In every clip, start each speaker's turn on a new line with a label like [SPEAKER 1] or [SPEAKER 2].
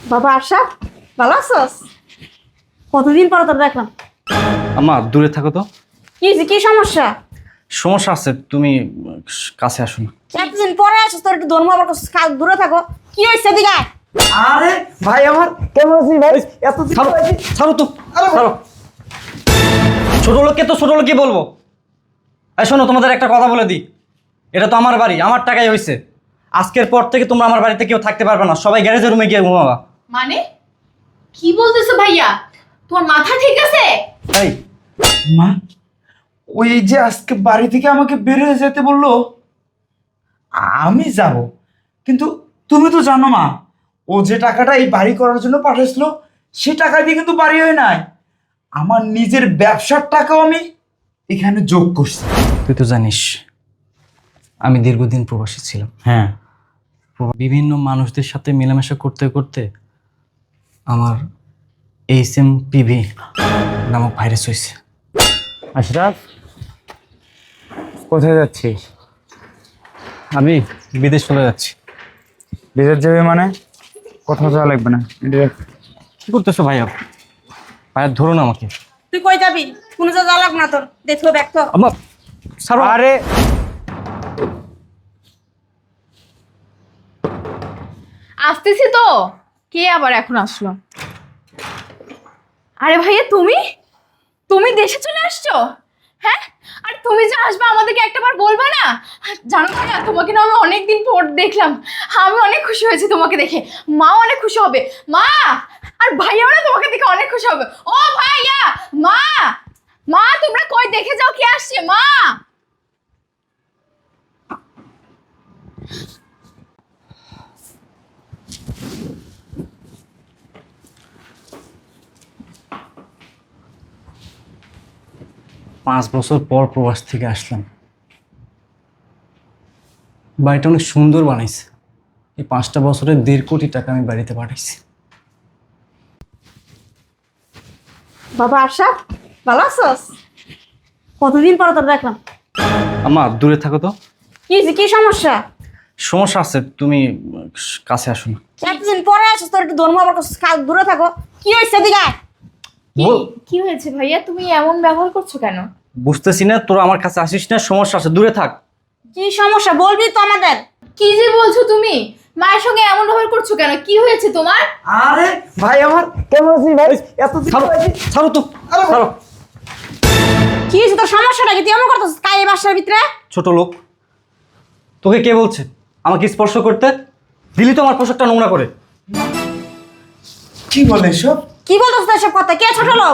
[SPEAKER 1] বাবা আশা, ভালো আছোস? কতদিন পর তোর দেখলাম।
[SPEAKER 2] আম্মা দূরে থাকো তো।
[SPEAKER 1] কি সমস্যা?
[SPEAKER 2] সমস্যা আছে, তুমি কাছে আসো না।
[SPEAKER 1] এতদিন পরে আসিস, তোর একটু ধর্ম আবার দূরে থাকো। কি হয়েছে দিঘা?
[SPEAKER 3] আরে ভাই আমার কেমন আছিস ভাই? এত
[SPEAKER 2] ছাড়ো ছাড়ো তো, ছাড়ো। ছোট লোককে তো ছোট লোকই বলবো। এই শোনো, তোমাদের একটা কথা বলে দিই, এটা তো আমার বাড়ি, আমার টাকাই হয়েছে। আজকের পর থেকে তোমরা আমার বাড়িতে কেউ থাকতে পারবে না, সবাই গ্যারেজের রুমে গিয়ে ঘুমাবা।
[SPEAKER 4] মানে কি বলতেছো ভাইয়া? তোমার মাথা ঠিক আছে?
[SPEAKER 2] তাই
[SPEAKER 3] মা, ওই যে আজকে বাড়ি থেকে আমাকে বের হয়ে যেতে বললো, আমি যাব, কিন্তু তুমি তো জানো মা, ও যে টাকাটা এই বাড়ি করার জন্য পাঠিয়েছিল সেই টাকা দিয়ে কিন্তু বাড়ি হয় নাই। আমার নিজের ব্যবসার টাকাও আমি এখানে যোগ করছি।
[SPEAKER 2] তুই তো জানিস আমি দীর্ঘদিন প্রবাসী ছিলাম।
[SPEAKER 3] হ্যাঁ,
[SPEAKER 2] বিভিন্ন মানুষদের সাথে মেলামেশা করতে করতে আমার HMPV নামক ভাইরাস হয়েছে।
[SPEAKER 3] আশরাফ কোথায় যাচ্ছিস?
[SPEAKER 2] আমি বিদেশ চলে যাচ্ছি।
[SPEAKER 3] বিদেশ যাবে মানে? কোথাও যাওয়া লাগবে না।
[SPEAKER 2] কি করতেছো ভাইয়া? ভাইয়া ধরো না আমাকে।
[SPEAKER 1] তুই কই যাবি? কোনো যা লাগবে না তোর, দেখো ব্যাগ তো।
[SPEAKER 2] আম্মা ছাড়ো।
[SPEAKER 3] আরে
[SPEAKER 4] আসতেছি তো। কে আবার এখন আসলো? আরে ভাইয়া, তুমি তুমি দেশে চলে আসছো? হ্যাঁ, আর তুমি যে আসবে আমাদেরকে একটাবার বলবা না? জানো ভাইয়া, তোমাকে না আমি অনেকদিন পর দেখলাম। আমি অনেক খুশি হয়েছি তোমাকে দেখে। মা অনেক খুশি হবে। মা আর ভাইয়াও না তোমাকে দেখে অনেক খুশি হবে। ও ভাইয়া, মা মা তোমরা কই, দেখে যাও কে আসছে। মা
[SPEAKER 2] 5 বছর পর প্রবাস থেকে আসলাম। বাড়িটা অনেক সুন্দর বানাইছে। এই 5টা বছরে 1.5 কোটি টাকা আমি বাড়িতে পাঠাইছি।
[SPEAKER 1] বাবা আশা, ভালো আছোস? কতদিন পর তোর দেখলাম।
[SPEAKER 2] আম্মা দূরে থাকো তো।
[SPEAKER 1] কি সমস্যা?
[SPEAKER 2] সমস্যা আছে, তুমি কাছে আসো না।
[SPEAKER 1] এতদিন পরে আসিস, তোর একটু ধর্ম আবার দূরে থাকো। কি হয়েছে দিঘা?
[SPEAKER 4] কি হয়েছে ভাইয়া? তুমি এমন ব্যবহার করছো কেন?
[SPEAKER 2] বুঝতেছি না, তোরা আমার কাছে আসিস না, সমস্যা আছে, দূরে থাক।
[SPEAKER 1] কি সমস্যা বলবি তো আমাদের।
[SPEAKER 4] কি যে বলছো তুমি? মায়ের সঙ্গে এমন ব্যবহার করছো কেন? কি হয়েছে তোমার?
[SPEAKER 3] আরে ভাই আমার কেমন আছিস ভাই? এত
[SPEAKER 2] ছাড়ো ছাড়ো তো, ছাড়ো।
[SPEAKER 1] কি হয়েছে তোর? সমস্যাটা কি? তুই এমন করতেছিস কাই এই বাসার ভিতরে?
[SPEAKER 2] ছোট লোক, তোকে কে বলছে আমাকে স্পর্শ করতে? দিলি তো আমার পোশাকটা নোংরা করে।
[SPEAKER 3] কি বলে এসব?
[SPEAKER 1] কি বলতেছিস এসব কথা? কে ছোট লোক?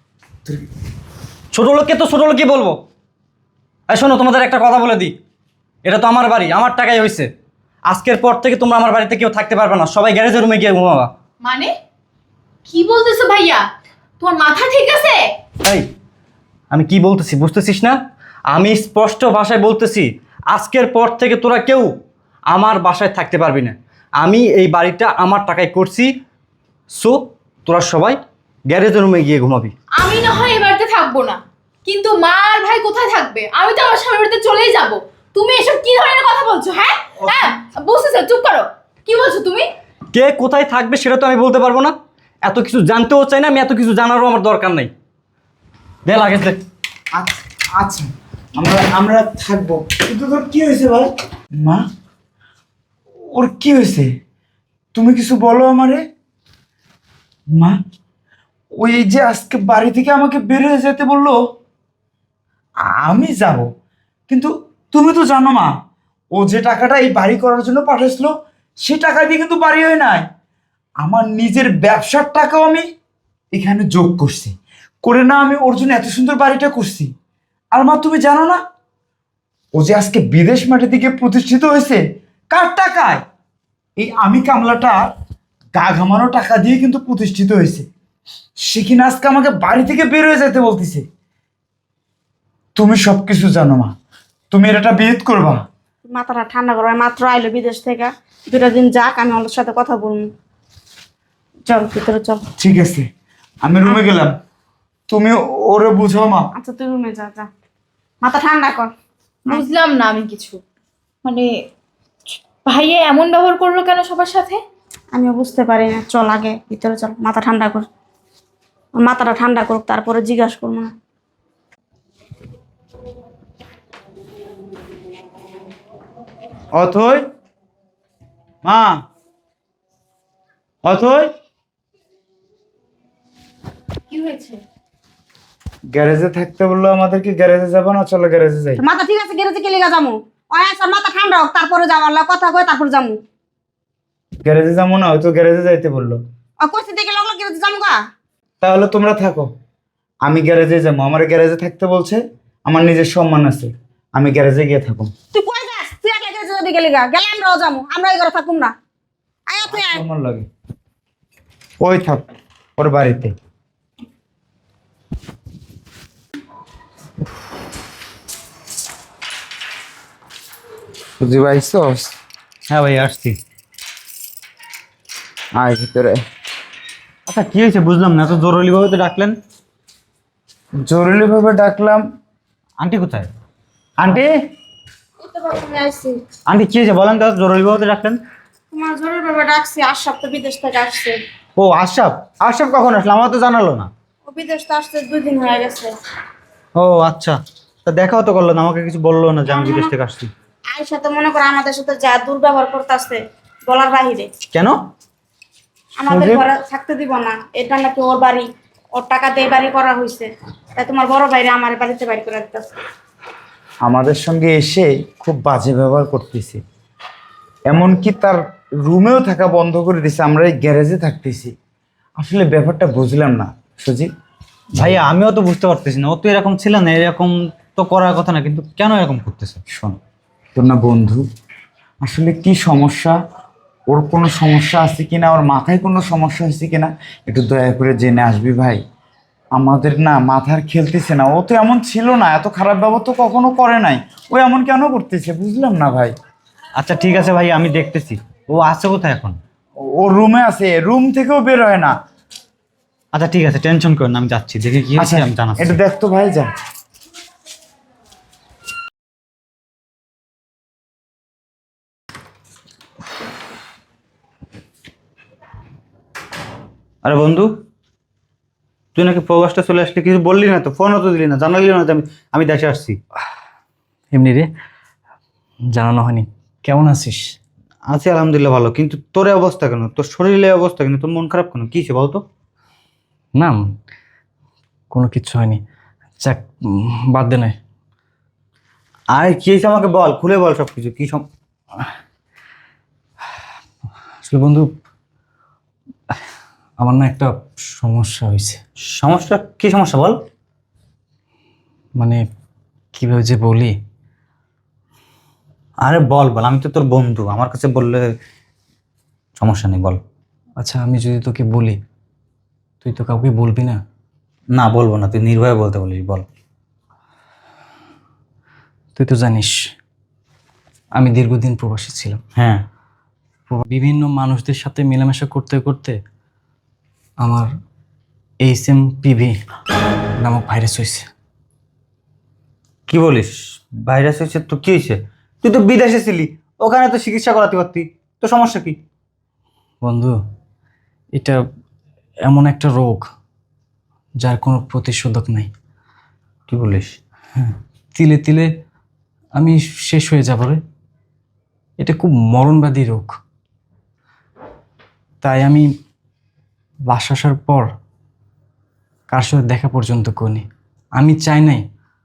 [SPEAKER 2] ছোট লোককে তো ছোট লোকই বলবো। এই শোনো, তোমাদের একটা কথা বলে দিই, এটা তো আমার বাড়ি, আমার টাকাই হয়েছে। আজকের পর থেকে তোমরা আমার বাড়িতে কেউ থাকতে পারবে না, সবাই গ্যারেজের রুমে গিয়ে ঘুমাবা।
[SPEAKER 4] মানে কি বলতেছো ভাইয়া? তোমার মাথা ঠিক আছে?
[SPEAKER 2] এই আমি কি বলতেছি বুঝতেছিস না? আমি স্পষ্ট ভাষায় বলতেছি, আজকের পর থেকে তোরা কেউ আমার বাসায় থাকতে পারবি না। আমি এই বাড়িটা আমার টাকায় করছি, সো তোরা সবাই গ্যারেজের রুমে গিয়ে ঘুমাবি।
[SPEAKER 4] আমি না হয় এই বাড়িতে থাকবো না, কিন্তু মা আর ভাই কোথায় থাকবে? আমি তো আমার স্বামীর বাড়িতে চলেই যাব। তুমি এসব কি ধরনের কথা বলছো? হ্যাঁ হ্যাঁ, বুঝতেছো? চুপ করো। কি বলছো তুমি?
[SPEAKER 2] কে কোথায় থাকবে সেটা তো আমি বলতে পারবো না, এত কিছু জানতেও চাই না, আমি এত কিছু জানারও আমার দরকার নেই। দে লাগে দে।
[SPEAKER 3] আচ্ছা আচ্ছা, আমরা আমরা থাকবো, কিন্তু তোর কি হয়েছে ভাই? মা, ওর কি হয়েছে? তুমি কিছু বলো আমারে। মা, ওই যে আজকে বাড়ি থেকে আমাকে বের হয়ে যেতে বললো, আমি যাব, কিন্তু তুমি তো জানো মা, ও যে টাকাটা এই বাড়ি করার জন্য পাঠিয়েছিল সেই টাকা দিয়ে কিন্তু বাড়ি হয় নাই। আমার নিজের ব্যবসার টাকাও আমি এখানে যোগ করছি, করে না আমি ওর জন্য এত সুন্দর বাড়িটা করছি। আর মা তুমি জানো না, ও যে আজকে বিদেশ মাটি থেকে প্রতিষ্ঠিত হয়েছে কার টাকায়? এই আমি কামলাটা গা ঘামানো টাকা দিয়ে কিন্তু প্রতিষ্ঠিত হয়েছে। সে কিনা আজকে আমাকে বাড়ি থেকে বের হয়ে যেতে বলতেছে। তুমি সবকিছু জানো মা, তুমি এটা বিয়ে করবা?
[SPEAKER 1] মাথাটা ঠান্ডা করো, মাত্র আইলো বিদেশ থেকে, 2টা দিন যাক, আমি ওর সাথে কথা বলবো। চল ভিতরে চল।
[SPEAKER 3] ঠিক আছে, আমি রুমে গেলাম, তুমি ওরে বুঝাও মা।
[SPEAKER 1] আচ্ছা তুই রুমে যা, যা মাথা ঠান্ডা কর।
[SPEAKER 4] বুঝলাম না আমি কিছু। মানে ভাইয়া এমন ব্যবহার করলো কেন সবার সাথে?
[SPEAKER 1] আমিও বুঝতে পারি না। চল আগে ভিতরে চল, মাথা ঠান্ডা কর। ওর মাথাটা ঠান্ডা করুক, তারপরে জিজ্ঞাসা করবো না।
[SPEAKER 3] অথই, মা, অথই।
[SPEAKER 4] কি হয়েছে?
[SPEAKER 3] গ্যারেজে থাকতে বললো আমাদেরকে, গ্যারেজে যাবো না? চলো গ্যারেজে যাই।
[SPEAKER 1] মাথা ঠিক আছে, গেরেজে কে লিগা যামু? ওই আচ্ছা মাথা ঠান্ডা হোক, তারপরে যাওয়ার কথা কয়, তারপর যামু।
[SPEAKER 3] গ্যারেজে যাবো না, হয়তো গ্যারেজে যাইতে বললো।
[SPEAKER 1] আর কইতে দেখে লাগলো গেরেজে যামু গা।
[SPEAKER 3] তাহলে তোমরা থাকো, আমি গ্যারেজে যাবো। আমার গ্যারেজে থাকতে বলছে, আমার নিজের সম্মান আছে, আমি গ্যারেজে গিয়ে থাকো।
[SPEAKER 1] তুই কই যাস? তুই একলা গেরেজে যাবি কে লিগা? গেলে আমরাও যামু, আমরা এই ঘরে থাকুম না। আয় তুই আয়।
[SPEAKER 3] আমার লাগে ওই থাক ওর বাড়িতে। বুঝি পাইছস?
[SPEAKER 2] হ্যাঁ ভাই আসছি।
[SPEAKER 3] আয় ভিতরে।
[SPEAKER 2] আচ্ছা কি হয়েছে বুঝলাম না, এত জরুরিভাবে তো ডাকলেন?
[SPEAKER 3] জরুরি ভাবে ডাকলাম।
[SPEAKER 2] আন্টি কোথায়? আন্টি,
[SPEAKER 1] এই তো বাবা আমি আইছি।
[SPEAKER 2] আন্টি কি হয়েছে বলেন তো, জরুরিভাবে তো ডাকলেন?
[SPEAKER 1] তোমার জরুরি ভাবে ডাকছি, আশরাফ তো বিদেশ থেকে আসছে।
[SPEAKER 2] ও আশরাফ, আশরাফ কখন আসলো? আমার তো জানালো না।
[SPEAKER 1] ও বিদেশ তো আসতে 2 দিন হয়ে গেছে।
[SPEAKER 2] ও আচ্ছা, তা দেখাও তো করলো না, আমাকে কিছু বললো না যে আমি বিদেশ থেকে আসছি।
[SPEAKER 1] আয়সা তো মনে করো আমাদের সাথে যা দুর্ব্যবহার করতেছে বলার বাহিরে।
[SPEAKER 2] কেন?
[SPEAKER 1] আমাদের ঘরে থাকতে দিব না, এটা নাকি ওর বাড়ি, ওর টাকা দিয়ে বাড়ি করা হয়েছে, তাই তোমার বড় ভাইরে আমার বাড়িতে বাড়ি করে দিতেছে।
[SPEAKER 3] আমাদের সঙ্গে এসে খুব বাজে ব্যবহার করতেছি, এমনকি তার রুমেও থাকা বন্ধ করে দিছে, আমরা এই গ্যারেজে থাকতেছি। আসলে ব্যাপারটা বুঝলাম না সুজিত।
[SPEAKER 2] ভাইয়া আমিও তো বুঝতে পারতেছি না, ও তো এরকম ছিল না, এরকম তো করার কথা না, কিন্তু কেন এরকম করতেছে?
[SPEAKER 3] শোন, তোর না বন্ধু, আসলে কি সমস্যা, ওর কোনো সমস্যা আছে কিনা, ওর মাথায় কোনো সমস্যা হয়েছে কিনা, একটু দয়া করে জেনে আসবি ভাই। আমাদের না মাথার খেলতেছে না, ও তো এমন ছিল না, এত খারাপ ব্যবহার তো কখনো করে নাই, ও এমন কেন করতেছে বুঝলাম না ভাই।
[SPEAKER 2] আচ্ছা ঠিক আছে ভাই, আমি দেখতেছি। ও আছে কোথায় এখন?
[SPEAKER 3] ও রুমে আছে, রুম থেকেও বের হয় না।
[SPEAKER 2] আচ্ছা ঠিক আছে, টেনশন করেন না, আমি যাচ্ছি, দেখে কি আছে আমি জানাচ্ছি।
[SPEAKER 3] এটা দেখ তো ভাই, যা।
[SPEAKER 2] আরে বন্ধু, তুই নাকি প্রবাসটা চলে আসলি, কিছু বললি না তো, ফোনও তো দিলি না, জানালি না যে আমি দেশে আসছি।
[SPEAKER 5] এমনি রে, জানানো হয়নি। কেমন আছিস?
[SPEAKER 2] আছি আলহামদুলিল্লাহ ভালো, কিন্তু তোর এই অবস্থা কেন? তোর শরীরের এই অবস্থা কেন? তোর মন খারাপ কেন? কি হয়েছে বলতো?
[SPEAKER 5] না, কোনো কিচ্ছু হয়নি। যাক, বাদ দে নয়।
[SPEAKER 2] আর কি হয়েছে আমাকে বল, খুলে বল সব কিছু।
[SPEAKER 5] আসলে বন্ধু, আমার না একটা সমস্যা হয়েছে।
[SPEAKER 2] সমস্যা? কি সমস্যা বল?
[SPEAKER 5] মানে কীভাবে যে বলি।
[SPEAKER 2] আরে বল বল, আমি তো তোর বন্ধু, আমার কাছে বললে সমস্যা নেই, বল।
[SPEAKER 5] আচ্ছা, আমি যদি তোকে বলি, তুই তো কাউকে বলবি না?
[SPEAKER 2] না বলবো না, তুই নির্ভয়ে বলতে বলিস, বল।
[SPEAKER 5] তুই তো জানিস আমি দীর্ঘদিন প্রবাসী ছিলাম।
[SPEAKER 2] হ্যাঁ।
[SPEAKER 5] বিভিন্ন মানুষদের সাথে মেলামেশা করতে করতে আমার HMPV নামক ভাইরাস হয়েছে।
[SPEAKER 2] কি বলিস? ভাইরাস হয়েছে? তো কি হয়েছে? তুই তো বিদেশে ছিলি, ওখানে তো চিকিৎসা করাতে পারতি, তো সমস্যা কি?
[SPEAKER 5] বন্ধু, এটা এমন একটা রোগ যার কোনো প্রতিষেধক নাই।
[SPEAKER 2] কি বলিস?
[SPEAKER 5] তিলে তিলে আমি শেষ হয়ে যাব রে। এটা খুব মরণব্যাধি রোগ। তাই আমি বাসা আসার পর কার সাথে দেখা পর্যন্ত করিনি। আমি চাই নাই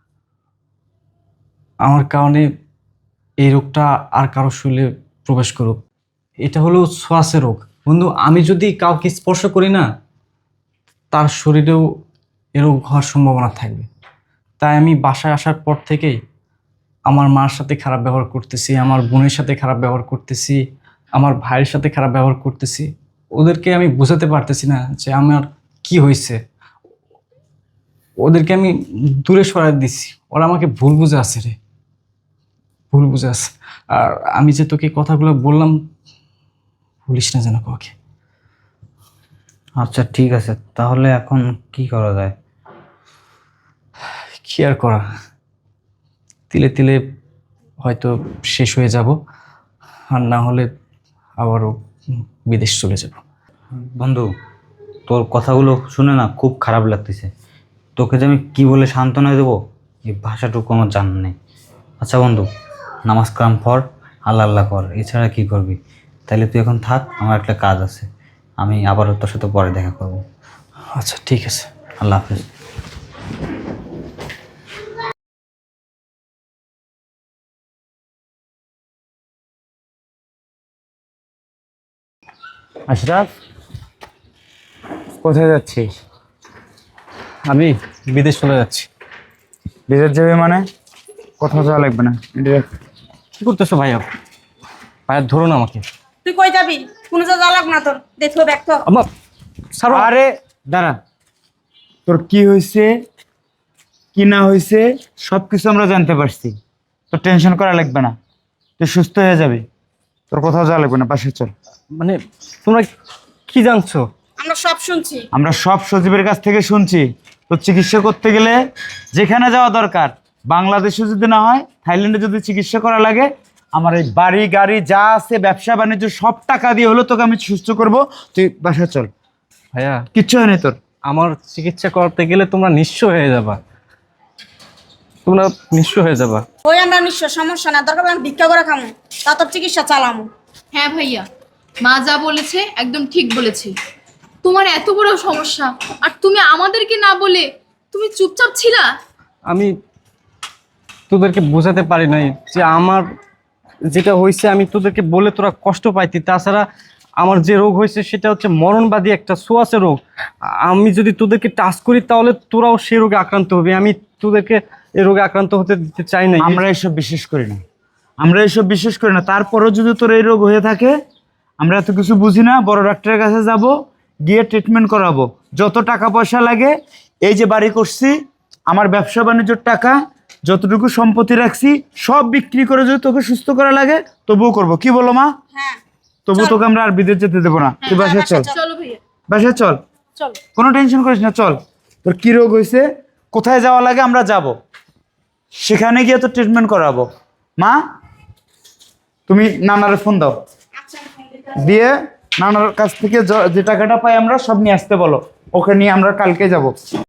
[SPEAKER 5] আমার কারণে এই রোগটা আর কারো শরীরে প্রবেশ করুক। এটা হলো শ্বাসের রোগ বন্ধু। আমি যদি কাউকে স্পর্শ করি না, তার শরীরেও এ রোগ হওয়ার সম্ভাবনা থাকবে। তাই আমি বাসায় আসার পর থেকেই আমার মার সাথে খারাপ ব্যবহার করতেছি, আমার বোনের সাথে খারাপ ব্যবহার করতেছি, আমার ভাইয়ের সাথে খারাপ ব্যবহার করতেছি। ওদেরকে আমি বোঝাতে পারতেছি না যে আমার কি হয়েছে। ওদেরকে আমি দূরে সরাই দিছি, ওরা আমাকে ভুল বুঝে আছে রে, ভুল বুঝে আছে। আর আমি যে তোকে কথাগুলো বললাম, বলিস না যেন কাউকে।
[SPEAKER 2] আচ্ছা ঠিক আছে, তাহলে এখন কি করা যায়?
[SPEAKER 5] কি আর করা, তিলে তিলে হয়তো শেষ হয়ে যাব, আর না হলে আবারও বিদেশ চলে যাব।
[SPEAKER 6] বন্ধু, তোর কথাগুলো শুনে না খুব খারাপ লাগতেছে। তোকে যে আমি কী বলে সান্ত্বনা দেবো এই ভাষাটুকু আমার জানা নেই। আচ্ছা বন্ধু, নামাজ কালাম পড়, আল্লাহ আল্লাহ কর, এছাড়া কী করবি? তাইলে তুই এখন থাক, আমার একটা কাজ আছে, আমি আবারও তোর সাথে পরে দেখা করব।
[SPEAKER 5] আচ্ছা ঠিক আছে।
[SPEAKER 6] আল্লাহ হাফেজ।
[SPEAKER 3] আশরাফ, কোথায় যাচ্ছিস?
[SPEAKER 5] আমি বিদেশ চলে যাচ্ছি।
[SPEAKER 3] বিদেশ যাবে মানে? কোথাও যাওয়া লাগবে না,
[SPEAKER 5] কি করতেছো ভাইয়া? ভাইয়া ধরো না আমাকে।
[SPEAKER 1] তুই কই যাবি? কোনো যা লাগবে না তোর, দেখো দেখতো।
[SPEAKER 5] আমার ছাড়ো।
[SPEAKER 3] আরে দাঁড়া, তোর কি হয়েছে কি না হয়েছে সব কিছু আমরা জানতে পারছি। তোর টেনশন করা লাগবে না, তুই সুস্থ হয়ে যাবি, তোর কোথাও যাওয়া লাগবে না, বাসায় চল।
[SPEAKER 5] মানে তোমরা কি জানছো?
[SPEAKER 1] আমরা সব শুনছি।
[SPEAKER 3] আমরা সব সজীবের কাছ থেকে শুনছি। তোর চিকিৎসা করতে গেলে যেখানে যাওয়া দরকার, বাংলাদেশে যদি না হয় থাইল্যান্ডে যদি চিকিৎসা করা লাগে, আমার এই বাড়ি গাড়ি যা আছে ব্যবসা বাণিজ্য সব টাকা দিয়ে হলো তোকে আমি সুস্থ করব। তুই বাসায় চল,
[SPEAKER 5] ভাইয়া
[SPEAKER 3] কিচ্ছু হয়নি তোর।
[SPEAKER 5] আমার চিকিৎসা করতে গেলে তোমরা নিঃস্ব হয়ে যাবা, তোমরা নিঃস্ব হয়ে যাবা।
[SPEAKER 1] ওই আমরা নিশ্চয় সমস্যা না, দরকার আমি ভিক্ষা করে খামু, তা তোর চিকিৎসা চালামু।
[SPEAKER 4] হ্যাঁ ভাইয়া, মা যা বলেছে একদম ঠিক বলেছে। তোমার এত বড় সমস্যা আর তুমি আমাদেরকে না বলে তুমি চুপচাপ ছিলা।
[SPEAKER 5] আমি তোদেরকে বোঝাতে পারি নাই যে আমার যেটা হয়েছে, আমি তোদেরকে বলে তোরা কষ্ট পাইতি। তাছাড়া আমার যে রোগ হয়েছে সেটা হচ্ছে মরণবাদী একটা সোয়াসে রোগ। আমি যদি তোদেরকে টাচ করি তাহলে তোরাও সে রোগে আক্রান্ত হবে। আমি তোদেরকে এই রোগে আক্রান্ত হতে দিতে চাই না।
[SPEAKER 3] আমরা এসব বিশ্বাস করি না, আমরা এসব বিশ্বাস করি না। তারপরেও যদি তোর এই রোগ হয়ে থাকে, আমরা এত কিছু বুঝি না, বড় ডাক্তারের কাছে যাব, গিয়ে ট্রিটমেন্ট করাবো, যত টাকা পয়সা লাগে। এই যে বাড়ি করছি, আমার ব্যবসা বাণিজ্যর টাকা, যতটুকু সম্পত্তি রাখছি সব বিক্রি করে যদি তোকে সুস্থ করা লাগে তবুও করবো। কি বলো মা?
[SPEAKER 1] হ্যাঁ
[SPEAKER 3] তবু তোকে আমরা আর বিদেশ যেতে দেবো না। তুই বাসায় চল,
[SPEAKER 4] চলো ভাইয়া,
[SPEAKER 3] বাসায় চল,
[SPEAKER 1] চল।
[SPEAKER 3] কোনো টেনশন করিস না, চল। তোর কি রোগ হয়েছে, কোথায় যাওয়া লাগে আমরা যাব, সেখানে গিয়ে তোর ট্রিটমেন্ট করাবো। মা, তুমি নানার ফোন দাও,
[SPEAKER 1] আচ্ছা আমি ফোন দিতে
[SPEAKER 3] দিয়ে নানার কাছ থেকে যে টাকাটা পাই আমরা সব নিয়ে আসতে বলো, ওকে নিয়ে আমরা কালকে যাব।